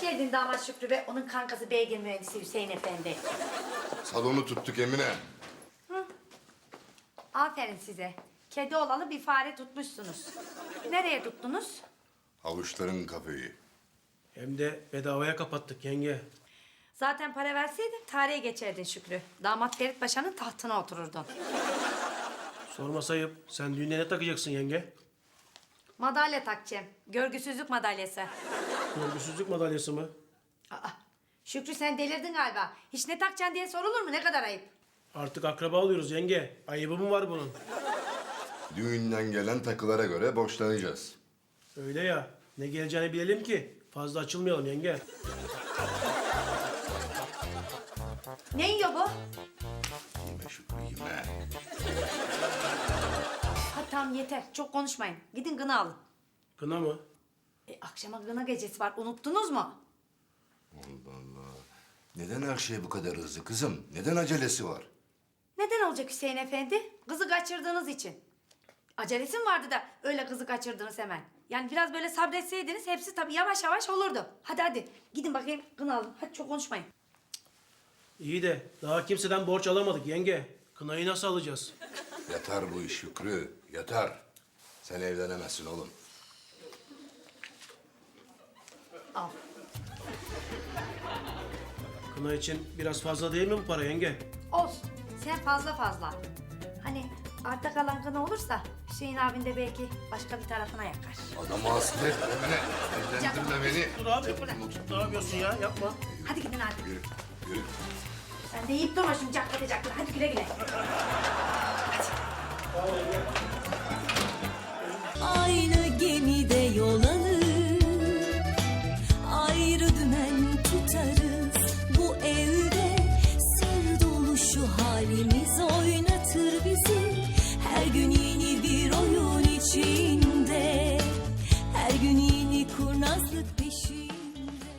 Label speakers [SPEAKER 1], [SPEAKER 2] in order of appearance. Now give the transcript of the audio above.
[SPEAKER 1] Hoş geldin damat Şükrü ve onun kankası beygir mühendisi Hüseyin Efendi.
[SPEAKER 2] Salonu tuttuk Emine.
[SPEAKER 1] Aferin size. Kedi olalı bir fare tutmuşsunuz. Nereye tuttunuz?
[SPEAKER 2] Havuçların kafeyi.
[SPEAKER 3] Hem de bedavaya kapattık yenge.
[SPEAKER 1] Zaten para verseydin tarihe geçerdin Şükrü. Damat Ferit Paşa'nın tahtına otururdun.
[SPEAKER 3] Sorma sayıp sen düğüne ne takacaksın yenge?
[SPEAKER 1] Madalya takacağım. Görgüsüzlük madalyası.
[SPEAKER 3] Görgüsüzlük madalyası mı?
[SPEAKER 1] Aa, Şükrü sen delirdin galiba. Hiç ne takacaksın diye sorulur mu? Ne kadar ayıp.
[SPEAKER 3] Artık akraba oluyoruz yenge. Ayıbı mı var bunun?
[SPEAKER 2] Düğünden gelen takılara göre borçlanacağız.
[SPEAKER 3] Öyle ya. Ne geleceğini bilelim ki. Fazla açılmayalım yenge.
[SPEAKER 1] Ne yiyor bu?
[SPEAKER 2] Yeme Şükrü yeme.
[SPEAKER 1] Ha tamam yeter. Çok konuşmayın. Gidin gına alın.
[SPEAKER 3] Kına mı?
[SPEAKER 1] Akşama gına gecesi var. Unuttunuz mu?
[SPEAKER 2] Allah Allah. Neden her şey bu kadar hızlı kızım? Neden acelesi var?
[SPEAKER 1] Neden olacak Hüseyin Efendi? Kızı kaçırdığınız için. Acelesi mi vardı da öyle kızı kaçırdınız hemen? Yani biraz böyle sabretseydiniz hepsi tabii yavaş yavaş olurdu. Hadi gidin bakayım kına alın. Hadi çok konuşmayın.
[SPEAKER 3] İyi de daha kimseden borç alamadık yenge. Kınayı nasıl alacağız?
[SPEAKER 2] Yatar bu iş Şükrü, yatar. Sen evlenemezsin oğlum.
[SPEAKER 1] Al.
[SPEAKER 3] Kına için biraz fazla değil mi bu para yenge?
[SPEAKER 1] Olsun. Sen fazla. Hani arta kalan kına olursa Hüseyin abin de belki başka bir tarafına yakar.
[SPEAKER 2] Adamı hasta etme Emine. Evlendirme beni.
[SPEAKER 3] Dur abi. Ne yapıyorsun ya? Yapma.
[SPEAKER 1] Hadi gidin hadi.
[SPEAKER 2] Yürü, yürü.
[SPEAKER 1] Sen de yiyip durma şimdi caklatacaklar. Hadi güle güle.